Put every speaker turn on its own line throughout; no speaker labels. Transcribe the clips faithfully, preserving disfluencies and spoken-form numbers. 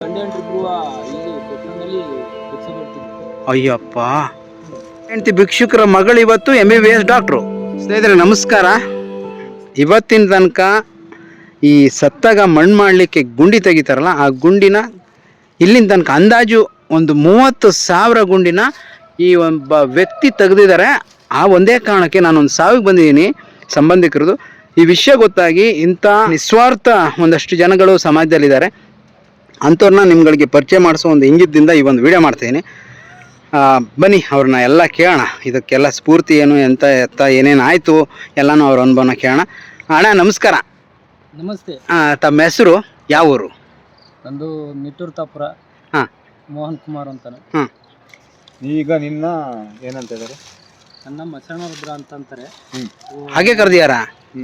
ಅಯ್ಯಪ್ಪ, ಹೆಂಡತಿ ಭಿಕ್ಷುಕರ ಮಗಳು ಇವತ್ತು M B B S doctor. ಸ್ನೇಹಿತರೆ ನಮಸ್ಕಾರ. ಇವತ್ತಿನ ತನಕ ಈ ಸತ್ತಾಗ ಮಣ್ಣು ಮಾಡಲಿಕ್ಕೆ ಗುಂಡಿ ತೆಗಿತಾರಲ್ಲ, ಆ ಗುಂಡಿನ ಇಲ್ಲಿನ ತನಕ ಅಂದಾಜು ಒಂದು ಮೂವತ್ತು ಸಾವಿರ ಗುಂಡಿನ ಈ ಒಬ್ಬ ವ್ಯಕ್ತಿ ತೆಗೆದಿದ್ದಾರೆ. ಆ ಒಂದೇ ಕಾರಣಕ್ಕೆ ನಾನೊಂದು ಸಾವಿಗೆ ಬಂದಿದ್ದೀನಿ ಸಂಬಂಧಿಕರದು. ಈ ವಿಷಯ ಗೊತ್ತಾಗಿ ಇಂಥ ನಿಸ್ವಾರ್ಥ ಒಂದಷ್ಟು ಜನಗಳು ಸಮಾಜದಲ್ಲಿದ್ದಾರೆ. ಅಂಥವ್ರನ್ನ ನಿಮ್ಗಳಿಗೆ ಪರಿಚಯ ಮಾಡಿಸೋ ಒಂದು ಇಂಗಿತದಿಂದ ಈ ಒಂದು ವಿಡಿಯೋ ಮಾಡ್ತಾಯಿದ್ದೀನಿ. ಬನ್ನಿ ಅವ್ರನ್ನ ಎಲ್ಲ ಕೇಳೋಣ. ಇದಕ್ಕೆಲ್ಲ ಸ್ಫೂರ್ತಿ ಏನು, ಎಂತ ಎತ್ತ ಏನೇನು ಆಯಿತು ಎಲ್ಲನೂ ಅವ್ರ ಅನುಭವನ ಕೇಳೋಣ. ಅಣ್ಣ ನಮಸ್ಕಾರ.
ನಮಸ್ತೆ.
ತಮ್ಮ ಹೆಸರು, ಯಾವ ಊರು?
ನಂದು ನಿಟ್ಟೂರು ತಾಪುರ.
ಹಾಂ,
ಮೋಹನ್ ಕುಮಾರ್ ಅಂತಾನೆ.
ಹಾಂ.
ಈಗ ನಿನ್ನ ಏನಂತ ಇದ್ದಾರೆ?
ನನ್ನ ಮಸಣ ರುದ್ರ ಅಂತಂತಾರೆ.
ಹಾಗೆ ಕರೆದಿಯಾರ?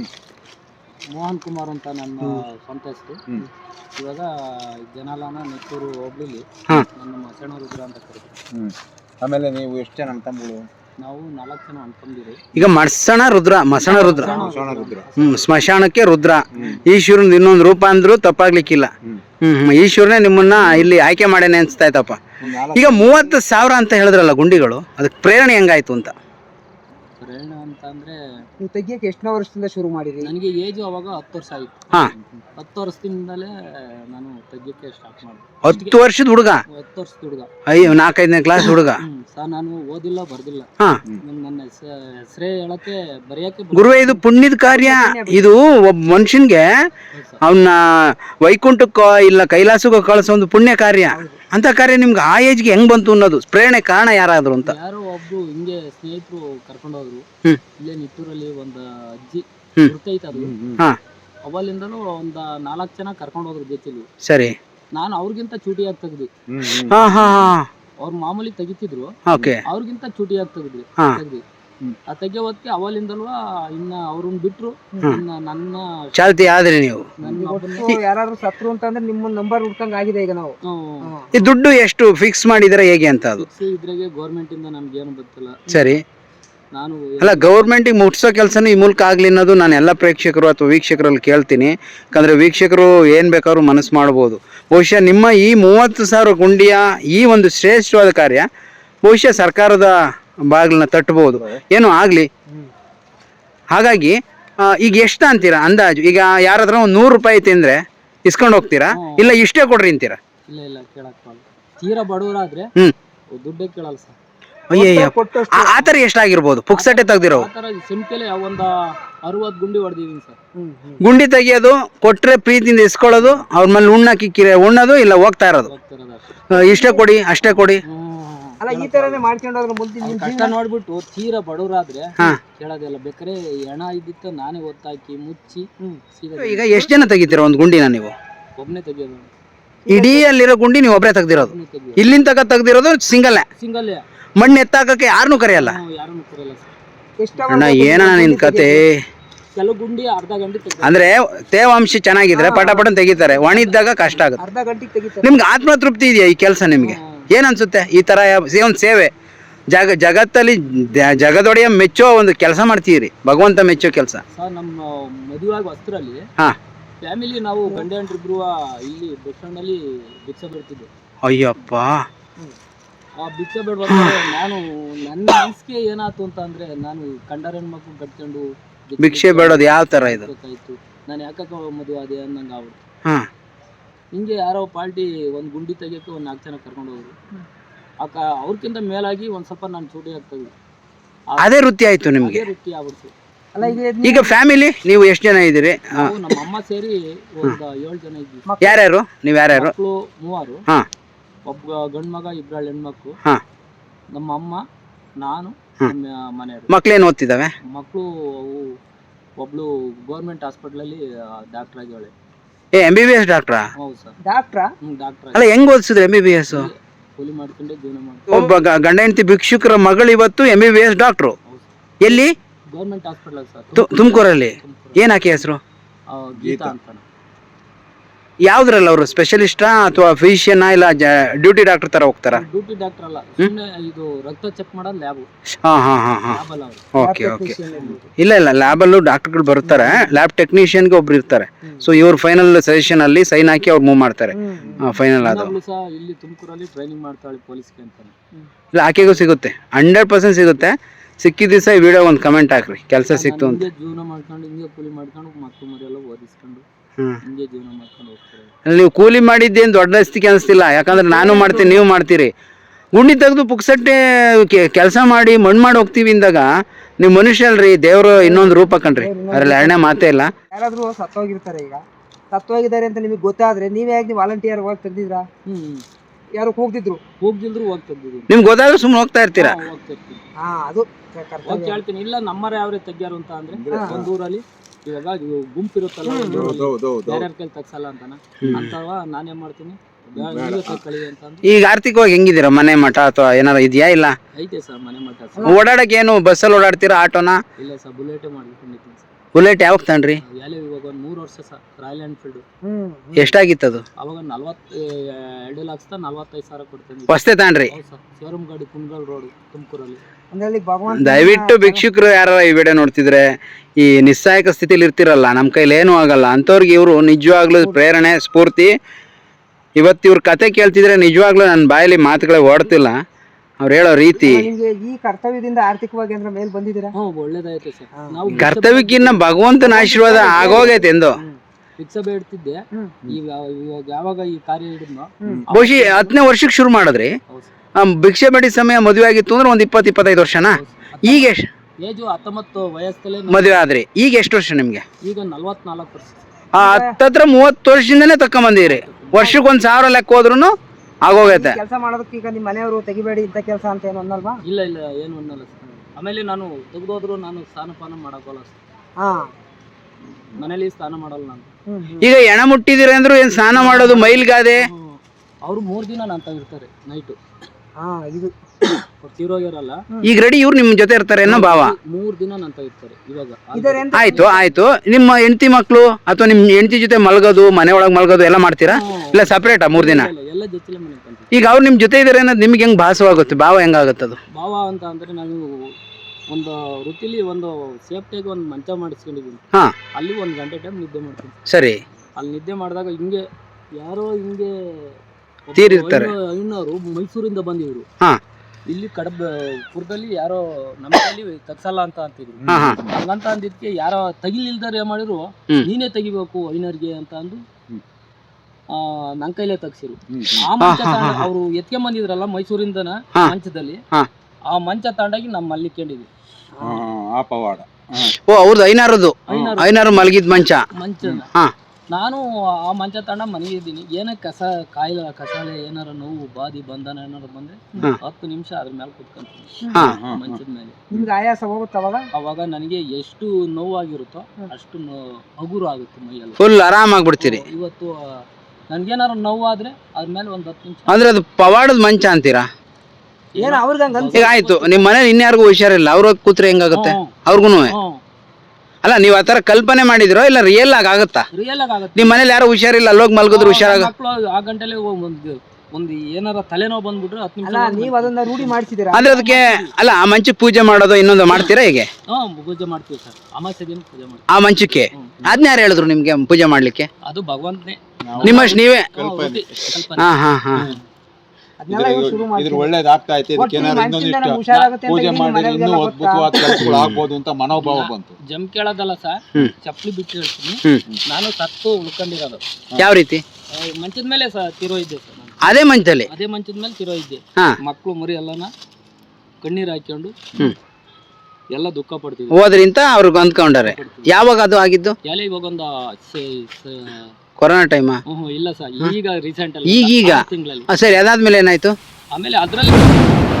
ಮೋಹನ್ ಕುಮಾರ್ ಅಂತ ನನ್ನ ಸ್ವಂತ ಹೆಸರು. ಇವಾಗ ಜನಲಾನ ನಿಟ್ಟೂರು ಹೋಬಳಿಲಿ ನನ್ನ ಮಸಣ ರುದ್ರ ಅಂತ ಕರೀತಾರೆ.
ಆಮೇಲೆ ನೀವು ಎಷ್ಟು ಜನ ತಮ್ಮಗಳು?
ನಾವು ನಾಲ್ಕು ಜನ ಅನ್ಕೊಂಡಿರಿ.
ಈಗ ಮಸಣ ರುದ್ರ, ಮಸಣ ರುದ್ರ,
ರುದ್ರ.
ಹ್ಮ್, ಸ್ಮಶಾನಕ್ಕೆ ರುದ್ರ. ಈಶ್ವರನ್ ಇನ್ನೊಂದು ರೂಪ ಅಂದ್ರು ತಪ್ಪಾಗ್ಲಿಕ್ಕಿಲ್ಲ. ಹ್ಮ್ ಹ್ಮ್ ಈಶ್ವರನೇ ನಿಮ್ಮನ್ನ ಇಲ್ಲಿ ಆಯ್ಕೆ ಮಾಡೇನೆ ಅನ್ಸ್ತಾಯ್ತಪ್ಪ. ಈಗ ಮೂವತ್ತು ಸಾವಿರ ಅಂತ ಹೇಳಿದ್ರಲ್ಲ ಗುಂಡಿಗಳು, ಅದಕ್ಕೆ ಪ್ರೇರಣೆ ಹೆಂಗಾಯ್ತು ಅಂತ?
ಪ್ರೇರಣೆ ಅಂತ ಅಂದ್ರೆ,
ನೀವು ತೆಗಿಯಕ್ಕೆ ಎಷ್ಟನೇ ವರ್ಷದಿಂದ ಶುರು ಮಾಡಿರಿ?
ನನಗೆ ಏಜು ಅವಾಗ ಹತ್ತು ವರ್ಷ ಆಯ್ತು.
ಹಾ,
ಹತ್ತು ವರ್ಷದಿಂದಲೇ ನಾನು ತೆಗಿಯಕ್ಕೆ ಸ್ಟಾರ್ಟ್ ಮಾಡಿದೆ.
ಹತ್ತು ವರ್ಷದ ಹುಡುಗ?
ಹತ್ತು ವರ್ಷದ ಹುಡುಗ.
ಅಯ್ಯೋ, ನಾಲ್ಕೈದನೇ ಕ್ಲಾಸ್ ಹುಡುಗ.
ಸರ್ ನಾನು ಓದಿಲ್ಲ ಬರ್ದಿಲ್ಲ.
ಹಾ,
ನನ್ನ ಹೆಸರೇ ಹೇಳಕ್ಕೆ ಬರೆಯಕ್ಕೆ
ಗುರುವೇ, ಇದು ಪುಣ್ಯದ ಕಾರ್ಯ. ಇದು ಒಬ್ಬ ಮನುಷ್ಯನ್ಗೆ ಅವನ್ನ ವೈಕುಂಠಕ್ಕೋ ಇಲ್ಲ ಕೈಲಾಸಕ್ಕೋ ಕಳಿಸೋ ಒಂದು ಪುಣ್ಯ ಕಾರ್ಯ. ಅಂತ ಕಾರ್ಯ ನಿಮ್ಗೆ ಆ ಏಜ್ಗೆ ಹೆಂಗ್ ಬಂತು ಅನ್ನೋದು ಪ್ರೇರಣೆ ಕಾರಣ ಯಾರಾದ್ರು ಅಂತ?
ಯಾರೋ ಒಬ್ರು ಹಿಂಗೆ ಸ್ನೇಹಿತರು ಕರ್ಕೊಂಡು ಹೋದ್ರು. ಇಲ್ಲೇ ನಿಟ್ಟೂರಲ್ಲಿ ಒಂದು ಅಜ್ಜಿ ಗುರ್ತೈತೆ ಅದು.
ಹಾ,
ಅವಲಿಂದಲೂ ಒಂದ್ ನಾಲ್ಕು ಜನ ಕರ್ಕೊಂಡು ಹೋದ್ರು ಬೀಚಲ್ಲಿ.
ಸರಿ.
ನಾನು ಅವ್ರಿಗಿಂತ ಚೂಟಿಯಾಗಿ ತೆಗ್ದು.
ಹಾ ಹಾ
ಅವ್ರು ಮಾಮೂಲಿ ತೆಗಿತಿದ್ರು,
ಓಕೆ,
ಅವ್ರಿಗಿಂತ ಚೂಟಿಯಾಗಿ ತೆಗ್ದು
ಹಾ
ತೆಗ್ದು ಆ ತೆಗಿಯೋ ಹೊತ್ತಿಗೆ ಅವಲಿಂದಲ್ವಾ ಇನ್ನ ಅವ್ರನ್ನ ಬಿಟ್ರು. ಇನ್ನ ನನ್ನ
ಚಾಲ್ತಿ ಆದ್ರಿ ನೀವು.
ನನ್ನ
ಯಾರು ಸತ್ರು ಅಂತಂದ್ರೆ ನಿಮ್ಮ ನಂಬರ್ ಹುಡ್ಕಂಗ್ ಆಗಿದೆ ಈಗ ನಾವು.
ಈ ದುಡ್ಡು ಎಷ್ಟು ಫಿಕ್ಸ್ ಮಾಡಿದ್ರೆ ಹೇಗೆ ಅಂತ? ಅದು
ಇದ್ರಾಗೆ ಗೌರ್ಮೆಂಟ್ ಇಂದ ನಮ್ಗೆ ಏನು ಗೊತ್ತಿಲ್ಲ.
ಸರಿ.
ನಾನು
ಅಲ್ಲ, ಗೌರ್ಮೆಂಟಿಗೆ ಮುಟ್ಸೋ ಕೆಲಸನೂ ಈ ಮೂಲಕ ಆಗಲಿ ಅನ್ನೋದು ನಾನು ಎಲ್ಲ ಪ್ರೇಕ್ಷಕರು ಅಥವಾ ವೀಕ್ಷಕರಲ್ಲಿ ಕೇಳ್ತೀನಿ. ಯಾಕಂದರೆ ವೀಕ್ಷಕರು ಏನು ಬೇಕಾದ್ರೂ ಮನಸ್ಸು ಮಾಡ್ಬೋದು. ಬಹುಶಃ ನಿಮ್ಮ ಈ ಮೂವತ್ತು ಸಾವಿರ ಗುಂಡಿಯ ಈ ಒಂದು ಶ್ರೇಷ್ಠವಾದ ಕಾರ್ಯ ಬಹುಶಃ ಸರ್ಕಾರದ ಬಾಗಿಲನ್ನ ತಟ್ಟಬಹುದು, ಏನೋ ಆಗಲಿ. ಹಾಗಾಗಿ ಈಗ ಎಷ್ಟು ಅಂತೀರಾ ಅಂದಾಜು? ಈಗ ಯಾರ ಹತ್ರ ಒಂದು ನೂರು ರೂಪಾಯಿ ತಿಂದರೆ ಇಸ್ಕೊಂಡು ಹೋಗ್ತೀರಾ, ಇಲ್ಲ ಇಷ್ಟೇ ಕೊಡ್ರಿ ಅಂತೀರಾ?
ಇಲ್ಲ ಇಲ್ಲ ಕೇಳಕ್ಕೆ ತೀರಾ ಬಡವರಾದ್ರೆ
ಹ್ಮ್
ದುಡ್ಡೇ ಕೇಳಲ್ಲ ಸರ್.
ಅಯ್ಯಯ್ಯ, ಆ ಥರ ಎಷ್ಟಾಗಿರ್ಬೋದು? ಪುಕ್ಸಟ್ಟೆ ತೆಗ್ದಿರೋ
ಆ ಥರ ಸಿಂಪ್ಲೆ ಒಂದು ಅರವತ್ತು ಗುಂಡಿ ಹೊಡೆದಿದ್ದೀನಿ ಸರ್.
ಗುಂಡಿ ತೆಗಿಯೋದು, ಕೊಟ್ರೆ ಪ್ರೀತಿಯಿಂದ ಇಸ್ಕೊಳ್ಳೋದು, ಅವ್ರ ಮೇಲೆ ಉಣ್ಣಾಕಿ ಕಿರೆ ಉಣ್ಣೋದು, ಇಲ್ಲ ಹೋಗ್ತಾ ಇರೋದು. ಇಷ್ಟೇ ಕೊಡಿ ಅಷ್ಟೇ ಕೊಡಿ.
ಅಲ್ಲ, ಈ ತರನೇ ಮಾಡ್ಕೊಂಡೋದ್ರ ಮುಂದೆ ನಿಮ್
ಕಷ್ಟ ನೋಡ್ಬಿಟ್ಟು ತೀರಾ ಬಡವರಾದ್ರೆ ಕೇಳೋದಿಲ್ಲ. ಬೇಕಾರೆ ಹೆಣ ಇದ್ದಿತ್ತು ನಾನೇ ಒತ್ತಾಕಿ ಮುಚ್ಚಿ ಸೀದಾ.
ಈಗ ಎಷ್ಟು ಜನ ತೆಗಿತೀರ ಒಂದು ಗುಂಡಿನ ನೀವು?
ಒಬ್ಬನೇ ತೆಗಿಯೋದು.
ಇಡೀ ಅಲ್ಲಿರೋ ಗುಂಡಿ ನೀವು ಒಬ್ಬರೇ ತೆಗ್ದಿರೋದು? ಇಲ್ಲಿಂದ ತಗ ತೆಗ್ದಿರೋದು ಸಿಂಗಲ್?
ಸಿಂಗಲ್.
ಮಣ್ಣು ಎತ್ತಾಕಕ್ಕೆ ಯಾರನ್ನೂ ಕರೆಯಲ್ಲ?
ಯಾರನ್ನು ಕರೆಯಲ್ಲ ಸರ್.
ಅಣ್ಣ, ಏನ ನಿನ್ ಕತೆ?
ಕೆಲವು ಗುಂಡಿ ಅರ್ಧ ಗಂಟೆ ತೆಗ್ದು.
ಅಂದ್ರೆ ತೇವಾಂಶ ಚೆನ್ನಾಗಿದ್ರೆ ಪಟ ಪಟನ್ ತೆಗಿತಾರೆ, ಒಣಿದ್ದಾಗ ಕಷ್ಟ ಆಗುತ್ತೆ.
ಅರ್ಧ ಗಂಟೆಗೆ ತೆಗಿತಾರೆ.
ನಿಮ್ಗೆ ಆತ್ಮತೃಪ್ತಿ ಇದೆಯಾ ಈ ಕೆಲಸ? ನಿಮ್ಗೆ ಏನ್ ಅನ್ಸುತ್ತೆ? ಈ ತರ ಒಂದು ಸೇವೆ ಜಗ ಜಗತ್ತಲ್ಲಿ ಜಗದೊಡೆಯ ಮೆಚ್ಚೋ ಒಂದು ಕೆಲಸ ಮಾಡ್ತೀರಿ, ಭಗವಂತ ಮೆಚ್ಚೋ ಕೆಲಸ.
ಸರ್ ನಮ್ಮ ಮದುವೆ ವಸ್ತ್ರಲ್ಲಿ
ಹಾ,
ಫ್ಯಾಮಿಲಿ ನಾವು ಗಂಡ ಹೆಂಡ್ರಿಬ್ರು ಇಲ್ಲಿ ಬಸ್ ಸ್ಟ್ಯಾಂಡ್ ಅಲ್ಲಿ ಭಿಕ್ಷೆ ಬಿಡ್ತಿದ್ದೆ.
ಅಯ್ಯಪ್ಪ,
ಆ ಭಿಕ್ಷೆ ಬಿಡುವಾಗ ನಾನು ನನ್ನ ಮನಸ್ಸಿಗೆ ಏನಾಯ್ತು ಅಂತ ಅಂದ್ರೆ, ನಾನು ಕಂಡರ ಹೆಣ್ಮಕ್ಳು ಕಟ್ಕೊಂಡು
ಭಿಕ್ಷೆ ಬೇಡೋದು ಯಾವ ತರ ಇದು?
ಆಯ್ತು, ನಾನು ಯಾಕಕ್ಕ ಮದುವೆ ಅದೇ ಅನ್ನಂಗೆ ಆಗ್ಬಿಡ್ತು.
ಹಾ,
ಹಿಂಗೆ ಯಾರೋ ಪಾರ್ಟಿ ಒಂದು ಗುಂಡಿ ತೆಗಿಯೋಕೆ ಒಂದು ನಾಲ್ಕು ಜನ ಕರ್ಕೊಂಡು ಹೋದ್ರು. ಅಕ್ಕ ಅವ್ರಕ್ಕಿಂತ ಮೇಲಾಗಿ ಒಂದ್ ಸ್ವಲ್ಪ ನಾನು ಚೂಟಿ ಆಗ್ತದೆ.
ಅದೇ ವೃತ್ತಿ ಆಯ್ತು ನಿಮ್ಗೆ?
ವೃತ್ತಿ ಆಗ್ಬಿಡ್ತು.
ಅಲ್ಲ, ಈಗ
ಈಗ ಫ್ಯಾಮಿಲಿ ನೀವು ಎಷ್ಟು ಜನ ಇದ್ದೀರಿ?
ನಾವು ನಮ್ಮ ಅಮ್ಮ ಸೇರಿ ಒಂದು ಏಳು ಜನ ಇದ್ವಿ.
ಯಾರ್ಯಾರು ನೀವು? ಯಾರ್ಯಾರು?
ಮಕ್ಕಳು ಮೂವರು.
ಹಾ,
ಒಬ್ಬ ಗಂಡು ಮಗ, ಇಬ್ಬರು ಹೆಣ್ಮಕ್ಳು.
ಹಾ,
ನಮ್ಮ ಅಮ್ಮ, ನಾನು, ನಮ್ಮ ಮನೆಯವರು.
ಮಕ್ಳೇನು ಓದ್ತಿದ್ದಾವೆ?
ಮಕ್ಕಳು ಒಬ್ಳು ಗೌರ್ಮೆಂಟ್ ಹಾಸ್ಪಿಟ್ಲಲ್ಲಿ ಡಾಕ್ಟರ್ ಆಗಿವಳೆ.
ಏ, ಎಂ ಬಿ ಬಿ ಎಸ್ ಡಾಕ್ಟ್ರಾ?
ಹೌದು ಸರ್.
ಡಾಕ್ಟ್ರಾ?
ಹ್ಮ್, ಡಾಕ್ಟರ್.
ಅಲ್ಲ, ಹೆಂಗ್ ಓದಿಸಿದ್ರು ಎಂ ಬಿ ಬಿ ಎಸ್?
ಕೂಲಿ ಮಾಡ್ಕೊಂಡೆ ಜೀವನ ಮಾಡ್ಕೊಂಡು.
ಒಬ್ಬ ಗಂಡ ಹೆಂಡತಿ ಭಿಕ್ಷುಕರ ಮಗಳು ಇವತ್ತು M B B S doctor. ಎಲ್ಲಿ?
ಗೌರ್ಮೆಂಟ್ ಹಾಸ್ಪಿಟಲ್ ಸರ್,
ತುಮಕೂರಲ್ಲಿ. ಏನ್ ಆಕೆ ಹೆಸರು?
ಗೀತಾ ಅಂತ.
ಯಾವ್ದ್ರಲ್ಲ ಅವರು ಸ್ಪೆಷಲಿಸ್ಟಾ ಅಥವಾ ಫಿಸಿಷಿಯನ್ ಇಲ್ಲ ಡ್ಯೂಟಿ ಡಾಕ್ಟರ್ ತರ ಹೋಗ್ತಾರಾ?
ಡ್ಯೂಟಿ ಡಾಕ್ಟರ್ ಅಲ್ಲ, ಸುಮ್ಮನೆ ಇದು ರಕ್ತ ಚೆಕ್ ಮಾಡೋದು ಲ್ಯಾಬ್.
ಹಾ ಹಾ ಹಾ ಹಾ
ಲ್ಯಾಬ್ ಅಲ್ಲ ಅವರು.
Okay okay. ಇಲ್ಲ ಇಲ್ಲ ಲ್ಯಾಬಲ್ಲೂ ಡಾಕ್ಟರ್ಗಳು ಬರ್ತಾರೆ, ಲ್ಯಾಬ್ ಟೆಕ್ನಿಷಿಯನ್ಗೆ ಒಬ್ರು ಇರ್ತಾರೆ. ಸೊ ಇವ್ರ ಫೈನಲ್ ಸಜೆಷನ್ ಅಲ್ಲಿ ಸೈನ್ ಹಾಕಿ ಅವ್ರು ಮೂವ್ ಮಾಡ್ತಾರೆ ಫೈನಲ್ ಆದ.
ಇನ್ನೊಬ್ಳು ಸಹ ಇಲ್ಲಿ ತುಮಕೂರಲ್ಲಿ ಟ್ರೈನಿಂಗ್ ಮಾಡ್ತಾಳೆ ಪೊಲೀಸ್ಗೆ ಅಂತಾನೆ.
ಇಲ್ಲ ಆಕೆಗೂ ಸಿಗುತ್ತೆ, ಹಂಡ್ರೆಡ್ ಪರ್ಸೆಂಟ್ ಸಿಗುತ್ತೆ. ಸಿಕ್ಕಿದ ದಿವಸ ಈ ವಿಡಿಯೋ ಒಂದು ಕಮೆಂಟ್ ಹಾಕ್ರಿ ಕೆಲಸ ಸಿಕ್ತು ಅಂತ.
ಹಿಂಗೆ ಜೀವನ ಮಾಡ್ಕೊಂಡು ಹಿಂಗೆ ಕೂಲಿ ಮಾಡ್ಕೊಂಡು ಮಕ್ಕಳು ಮರಿ ಎಲ್ಲ ಓದಿಸ್ಕೊಂಡು
ಹ್ಮ್.
ಹಿಂಗೆ ಜೀವನ ಮಾಡ್ಕೊಂಡು ಹೋಗ್ತಾರೆ.
ನೀವು ಕೂಲಿ ಮಾಡಿದ್ದೇನು ದೊಡ್ಡ ಅಸ್ತಿಕೆ ಅನಿಸ್ತಿಲ್ಲ, ಯಾಕಂದ್ರೆ ನಾನು ಮಾಡ್ತೀನಿ ನೀವು ಮಾಡ್ತೀರಿ. ಗುಂಡಿ ತೆಗೆದು ಪುಕ್ಸಟ್ಟೆ ಕೆಲಸ ಮಾಡಿ ಮಣ್ಣು ಮಾಡಿ ಹೋಗ್ತೀವಿ ಇಂದಾಗ ನೀವು ಮನುಷ್ಯ ಅಲ್ರಿ, ದೇವರು ಇನ್ನೊಂದು ರೂಪ ಕಣ್ರಿ, ಅದ್ರಲ್ಲಿ ಎರಡನೇ ಮಾತೇ ಇಲ್ಲ.
ಯಾರಾದ್ರೂ ಸತ್ತೋಗಿರ್ತಾರೆ, ಈಗ ಸತ್ತೋಗಿದ್ದಾರೆ ಅಂತ ನಿಮಗೆ ಗೊತ್ತಾದ್ರೆ ನೀವೇ ಯಾಕೆ ನೀವು ವಾಲಂಟಿಯರ್ ಹೋಗಿ ತೆಗ್ದಿದ್ರಾ?
ಹ್ಮ್
ಯಾರು ಹೋಗ್ತಿದ್ರು
ಹೋಗ್ದಿಲ್ದ್ರು ಹೋಗ್ತಿದ್ದೀವಿ.
ನಿಮ್ಗೆ ಗೊತ್ತಾದ್ರೆ ಸುಮ್ಮನೆ ಹೋಗ್ತಾ ಇರ್ತೀರಾ?
ಹೋಗ್ತಿರ್ತೀವಿ,
ಹಾ ಅದು
ಹೋಗಿ ಕೇಳ್ತೀನಿ. ಇಲ್ಲ ನಮ್ಮರ ಯಾವ್ರೆ ತೆಗ್ಯಾರು ಅಂತ ಅಂದ್ರೆ ಒಂದ್ ಊರಲ್ಲಿ ಇವಾಗ ಇವು ಗುಂಪಿರುತ್ತಲ್ಲ, ಬೇರೆ ಕೈಲಿ ತಗ್ಸಲ್ಲ ಅಂತಾನ ಅಂತವ ನಾನೇನ್ ಮಾಡ್ತೀನಿ, ನೀವೇ ತಗೊಳ್ಳಿ ಅಂತ ಅಂದ್ರೆ.
ಈಗ ಆರ್ಥಿಕವಾಗಿ ಹೆಂಗಿದ್ದೀರಾ? ಮನೆ ಮಠ ಅಥವಾ ಏನಾರ ಇದೆಯಾ? ಇಲ್ಲ
ಐತೆ ಸರ್ ಮನೆ ಮಠ.
ಓಡಾಡಕ್ಕೆ ಏನು ಬಸ್ಸಲ್ಲಿ ಓಡಾಡ್ತೀರಾ ಆಟೋನ?
ಇಲ್ಲ ಸರ್ ಬುಲೆಟೇ ಮಾಡ್ಕೊಂಡಿದ್ದೀನಿ ಸರ್.
ಬುಲೆಟ್ ಯಾವಾಗ ತಗೊಂಡ್ರಿ?
ಯಾಲೆ ಇವಾಗ ಒಂದ್ ಮೂರ್ ವರ್ಷ ಸರ್ ರಾಯಲ್ ಎನ್ಫೀಲ್ಡ್.
ಹ್ಮ್
ಎಷ್ಟಾಗಿತ್ತದು?
ಅವಾಗ ನಲ್ವತ್ ಎರಡು ಲಕ್ಷದ ನಲ್ವತ್ತೈದು ಸಾವಿರ ಕೊಡ್ತೇನೆ.
ಹೊಸ್ತೆ ತಗೊಂಡ್ರಿ?
ಹೌದು ಸರ್, ಶೋರೂಮ್ ಗಾಡಿ ಕುನ್ಗಲ್ ರೋಡ್ ತುಮಕೂರಲ್ಲಿ.
ಅಂದ್ರೆ ಭಗವಂತ
ದಯವಿಟ್ಟು ಭಿಕ್ಷುಕರು ಯಾರ ಈ ವಿಡಿಯೋ ನೋಡ್ತಿದ್ರೆ, ಈ ನಿಸ್ಸಹಾಯಕ ಸ್ಥಿತಿಲಿ ಇರ್ತಿರಲ್ಲ, ನಮ್ಮ ಕೈಲಿ ಏನೂ ಆಗಲ್ಲ ಅಂಥವ್ರಿಗೆ ಇವರು ನಿಜವಾಗ್ಲೂ ಪ್ರೇರಣೆ ಸ್ಫೂರ್ತಿ. ಇವತ್ತು ಇವ್ರ ಕತೆ ಕೇಳ್ತಿದ್ರೆ ನಿಜವಾಗ್ಲೂ ನನ್ನ ಬಾಯಲ್ಲಿ ಮಾತುಗಳೇ ಓಡ್ತಿಲ್ಲ ಅವ್ರು ಹೇಳೋ ರೀತಿ.
ನಿಮ್ಗೆ ಈ ಕರ್ತವ್ಯದಿಂದ ಆರ್ಥಿಕವಾಗಿ ಅಂದ್ರೆ ಮೇಲ್ ಬಂದಿದ್ದೀರಾ?
ಹ್ಮ್ ಒಳ್ಳೇದಾಯ್ತು ಸರ್. ನಾವು
ಕರ್ತವ್ಯಕ್ಕಿನ್ನ ಭಗವಂತನ ಆಶೀರ್ವಾದ ಆಗೋಗೈತೆ ಎಂದು
ಭಿಕ್ಷೆ ಬೇಡ್ತಿದ್ದೆ. ಈಗ ಇವಾಗ ಯಾವಾಗ ಈ ಕಾರ್ಯ ಹಿಡಿದ್ನೋ
ಬಹುಶಃ ಹತ್ತನೇ ವರ್ಷಕ್ಕೆ ಶುರು ಮಾಡಿದ್ರಿ.
ಹೌದು ಸರ್.
ಆ, ಭಿಕ್ಷೆ ಬೇಡಿ ಸಮಯ ಮದುವೆ ಆಗಿತ್ತು ಅಂದ್ರೆ ಒಂದು ಇಪ್ಪತ್ತು ಇಪ್ಪತ್ತೈದು ವರ್ಷನಾ? ಈಗ ಎಷ್ಟು
ಏಜು ಹತ್ತೊಂಬತ್ತು ವಯಸ್ಸಲ್ಲೇ
ಮದುವೆ ಆದ್ರಿ? ಈಗ ಎಷ್ಟು ವರ್ಷ ನಿಮ್ಗೆ?
ಈಗ ನಲ್ವತ್ನಾಲ್ಕು ವರ್ಷ.
ಆ ಹತ್ತತ್ರ ಮೂವತ್ತು ವರ್ಷದಿಂದನೇ ತಕೊಂಬಂದಿರಿ. ವರ್ಷಕ್ಕೊಂದ್ ಸಾವಿರ ಲೆಕ್ಕ ಹೋದ್ರು ಆಗೋಗೈತೆ.
ಕೆಲಸ ಮಾಡೋದಕ್ಕೆ ಈಗ ನಿಮ್ಮ ಮನೆಯವರು ತೆಗಿಬೇಡಿ ಇಂಥ ಕೆಲಸ ಅಂತ ಏನು ಅನ್ನಲ್ವಾ?
ಇಲ್ಲ ಇಲ್ಲ ಏನು ಅನ್ನಲ್ಲ ಸರ್. ಆಮೇಲೆ ನಾನು ತೆಗ್ದೋದ್ರು ನಾನು ಸ್ನಾನ ಪಾನ ಮಾಡಕೋಲ್ಲ ಸರ್.
ಹಾ
ಮನೇಲಿ ಸ್ನಾನ ಮಾಡಲ್ಲ ನಾನು.
ಹ್ಮ್
ಈಗ ಎಣ ಮುಟ್ಟಿದಿರಿ ಅಂದ್ರು ಏನ್ ಸ್ನಾನ ಮಾಡೋದು ಮೈಲ್ಗಾದೆ?
ಅವ್ರು ಮೂರ್ ದಿನ ನಾನು ತೆಗಿರ್ತಾರೆ ನೈಟು.
ಹಾ ಇದು
ತೀರೋಗಿರಲ್ಲ.
ಈಗ ರೆಡಿ ಇವ್ರು ನಿಮ್ ಜೊತೆ ಇರ್ತಾರೆ ಅನ್ನೋ ಭಾವ.
ಮೂರ್ ದಿನ ನಾನು ತೆಗಿರ್ತಾರೆ ಇವಾಗ.
ಇದರ ಎಂತ
ಆಯ್ತು ಆಯ್ತು. ನಿಮ್ಮ ಹೆಂಡತಿ ಮಕ್ಳು ಅಥವಾ ನಿಮ್ ಹೆಂಡತಿ ಜೊತೆ ಮಲ್ಗೋದು, ಮನೆ ಒಳಗ್ ಮಲ್ಗೋದು ಎಲ್ಲ ಮಾಡ್ತೀರಾ? ಇಲ್ಲ ಸಪರೇಟಾ ಮೂರ್ ದಿನ?
ಇಲ್ಲ, ಎಲ್ಲ ಜೊತೆಲೆ ಮನೆ ಕಂತ.
ಈಗ ಅವ್ರು ನಿಮ್ ಜೊತೆ ಇದಾರೆ ಅನ್ನೋದು ನಿಮ್ಗೆ ಹೆಂಗ್ ಭಾಸವಾಗುತ್ತೆ, ಭಾವ ಹೆಂಗಾಗುತ್ತದು?
ಭಾವ ಅಂತ ಅಂದ್ರೆ ನಾನು ಒಂದು ವೃತ್ತಿಲಿ ಒಂದು ಸೇಫ್ಟಿಯಾಗಿ ಒಂದು ಮಂಚ ಮಾಡಿಸ್ಕೊಂಡಿದ್ದೀನಿ.
ಹಾ
ಅಲ್ಲಿ ಒಂದು ಗಂಟೆ ಟೈಮ್ ನಿದ್ದೆ ಮಾಡ್ತೀನಿ.
ಸರಿ.
ಅಲ್ಲಿ ನಿದ್ದೆ ಮಾಡಿದಾಗ ಹಿಂಗೆ ಯಾರೋ ಹಿಂಗೆ
ತೀರಿರ್ತಾರೆ.
ಐನೂರು ಮೈಸೂರಿಂದ ಬಂದಿದ್ರು.
ಹಾ
ಇಲ್ಲಿ ಕಡಬ ಪುರದಲ್ಲಿ ಯಾರೋ ನಮ್ಮ ಕೈಲಿ ತಗ್ಸಲ್ಲ ಅಂತ ಅಂತಿದ್ರು.
ಹಾ ಹಾ
ಹಂಗಂತ ಅಂದಿದ್ಕೆ ಯಾರೋ ತಗಿಲಿಲ್ದಾರೆ ಮಾಡಿದ್ರು,
ಹ್ಮ್.
ನೀನೇ ತೆಗಿಬೇಕು ಐನರ್ಗೆ ಅಂತ ಅಂದು ಆ ನನ್ ಕೈಲೇ ತಗ್ಸಿರು. ಆ ಮಂಚ ಅವ್ರು ಎತ್ಕೊಂಡ್ ಬಂದಿದ್ರಲ್ಲ ಮೈಸೂರಿಂದನ
ಹಾ.
ಮಂಚದಲ್ಲಿ,
ಹಾ.
ಆ ಮಂಚ ತಗೊಂಡಾಗಿ ನಮ್ಮ ಮಲ್ಲಿಕೊಂಡಿದ್ವಿ.
ಆ ಪವಾಡ.
ಓ ಅವ್ರದ್ದು ಐನಾರದು
ಐನಾರು
ಐನಾರು ಮಲಗಿದ್ ಮಂಚ.
ಮಂಚನ
ಹಾ
ನಾನು ಆ ಮಂಚ ತಗೊಂಡ ಮನೆಗೆ ಇದ್ದೀನಿ. ಏನೇ ಕಸ ಕಾಯಿಲೆ ಕಸಾಲೆ ಏನಾರ ನೋವು ಬಾದಿ ಬಂಧನ ಏನಾರ ಬಂದ್ರೆ
ಹಾ.
ಹತ್ತು ನಿಮಿಷ ಅದ್ರ ಮೇಲೆ ಕುತ್ಕೊಂತೀನಿ
ಹಾ
ಮಂಚದ ಮೇಲೆ.
ನಿಮ್ಗೆ ಆಯಾಸ ಹೋಗುತ್ತೆ ಅವಾಗ?
ಅವಾಗ ನನಗೆ ಎಷ್ಟು ನೋವಾಗಿರುತ್ತೋ ಅಷ್ಟು ನೋ- ಹಗುರು ಆಗುತ್ತೆ ಮೈಯಲ್ಲಿ.
ಫುಲ್ ಆರಾಮಾಗ್ಬಿಡ್ತೀರಿ.
ಇವತ್ತು ನನ್ಗೇನಾರು ನೋವಾದ್ರೆ ಅದ್ರ ಮೇಲೆ ಒಂದ್ ಹತ್ತು ನಿಮಿಷ.
ಅಂದ್ರೆ ಅದು ಪವಾಡದ ಮಂಚ ಅಂತೀರಾ?
ಏನು ಅವ್ರಿಗೆ ಹಂಗ
ಈಗ ಆಯ್ತು, ನಿಮ್ ಮನೇಲಿ ಇನ್ಯಾರಿಗೂ ಹುಷಾರಿಲ್ಲ, ಅವ್ರ ಕೂತ್ರೆ ಹೆಂಗಾಗುತ್ತೆ? ಅವ್ರಿಗೂನು ಅಲ್ಲ, ನೀವ್ ಆತರ ಕಲ್ಪನೆ ಮಾಡಿದಿರೋ ಇಲ್ಲ ರಿಯಲ್ ಆಗಿ ಆಗುತ್ತಾ?
ರಿಯಲ್ ಆಗಿ ಆಗುತ್ತೆ.
ನಿಮ್ ಮನೇಲಿ ಯಾರೋ ಹುಷಾರಿಲ್ಲ, ಅಲ್ಲೋಗಿ ಮಲ್ಗೋದ್ರು ಹುಷಾರಾಗ?
ಮಕ್ಕಳು ಆ ಗಂಟೆಲೆ ಒಂದು ಒಂದು ಏನಾರ ತಲೆನೋವು ಬಂದ್ಬಿಟ್ರೆ ಹತ್ತು ನಿಮಿಷ.
ಅಲ್ಲ ನೀವು ಅದನ್ನ ರೂಢಿ ಮಾಡಿಸಿದಿರಾ?
ಅಂದ್ರೆ ಅದಕ್ಕೆ ಅಲ್ಲ, ಆ ಮಂಚಕ್ಕೆ ಪೂಜೆ ಮಾಡೋದು ಇನ್ನೊಂದು ಮಾಡ್ತೀರಾ? ಹೇಗೆ?
ಹಾ ಪೂಜೆ ಮಾಡ್ತೀವಿ ಸರ್. ಅಮಾವಾಸ್ಯೆ ದಿನ ಪೂಜೆ ಮಾಡ್ತೀವಿ
ಆ ಮಂಚಕ್ಕೆ ಅದ್ನ ಯಾರು ಹೇಳಿದ್ರು ನಿಮ್ಗೆ ಪೂಜೆ ಮಾಡ್ಲಿಕ್ಕೆ?
ಅದು ಭಗವಂತನೇ.
ನಿಮ್ಮಷ್ಟು ನೀವೇ?
ಕಲ್ಪನೆ.
ಹಾ ಹಾ ಹಾ
ಅದನ್ನೆಲ್ಲ ಇವ್ರು ಶುರು
ಇದ್ರ
ಮಾಡ್ತಾರೆ.
ಒಳ್ಳೇದಾಗ್ತಾ ಐತೆ, ಇದಕ್ಕೆ
ಒಟ್ಟು
ಏನಾದ್ರು
ಮನ್ಸಿಂದ
ಇನ್ನೊಂದಿಷ್ಟು
ನಮ್ಗೆ ಹುಷಾರಾಗುತ್ತೆ ಅಂತ
ಪೂಜೆ
ಹೇಳಿ
ಮಾಡಿ
ಮನೆಯವ್ರಿಗೆಲ್ಲ
ಇನ್ನೂ
ಗೊತ್ತಾ?
ಅದ್ಭುತವಾದ ಕೆಲಸಗಳು ಆಗ್ಬೋದು ಅಂತ ಮನೋಭಾವ ಬಂತು.
ಜಮ್ ಕೇಳೋದಲ್ಲ ಸರ್,
ಹ್ಮ್.
ಚಪ್ಪಲಿ ಬಿಟ್ಟು ಹೇಳ್ತೀನಿ.
ಹ್ಮ್.
ನಾನು ಸತ್ತು ಉಳ್ಕೊಂಡಿರೋದು
ಯಾವ ರೀತಿ?
ಆ, ಮಂಚದ ಮೇಲೆ ಸರ್ ತಿರೋ ಇದ್ದೆ ಸರ್ ನಾನು.
ಅದೇ ಮಂಚಲ್ಲಿ?
ಅದೇ ಮಂಚದ ಮೇಲೆ ತಿರೋ ಇದ್ದೆ.
ಹಾ
ಮಕ್ಕಳು ಮರಿ ಎಲ್ಲನ ಕಣ್ಣೀರ್ ಹಾಕೊಂಡು
ಹ್ಮ್.
ಎಲ್ಲ ದುಃಖ ಪಡ್ತಿದ್ವಿ.
ಹೋದ್ರಿ ಅಂತ ಅವ್ರಿಗೆ ಅಂದ್ಕೊಂಡಾರೆ. ಯಾವಾಗ ಅದು ಆಗಿದ್ದು?
ಎಲ್ಲ ಇವಾಗ ಒಂದು ಸ- ಸ-
ಕೊರೋನಾ ಟೈಮಾ?
ಹ್ಮ್ ಹ್ಮ್, ಇಲ್ಲ ಸರ್ ಈಗ ರೀಸೆಂಟ್
ಈಗೀಗ?
ತಿಂಗಳಲ್ಲಿ.
ಸರಿ, ಅದಾದ್ಮೇಲೆ ಏನಾಯ್ತು?
ಆಮೇಲೆ ಅದ್ರಲ್ಲಿ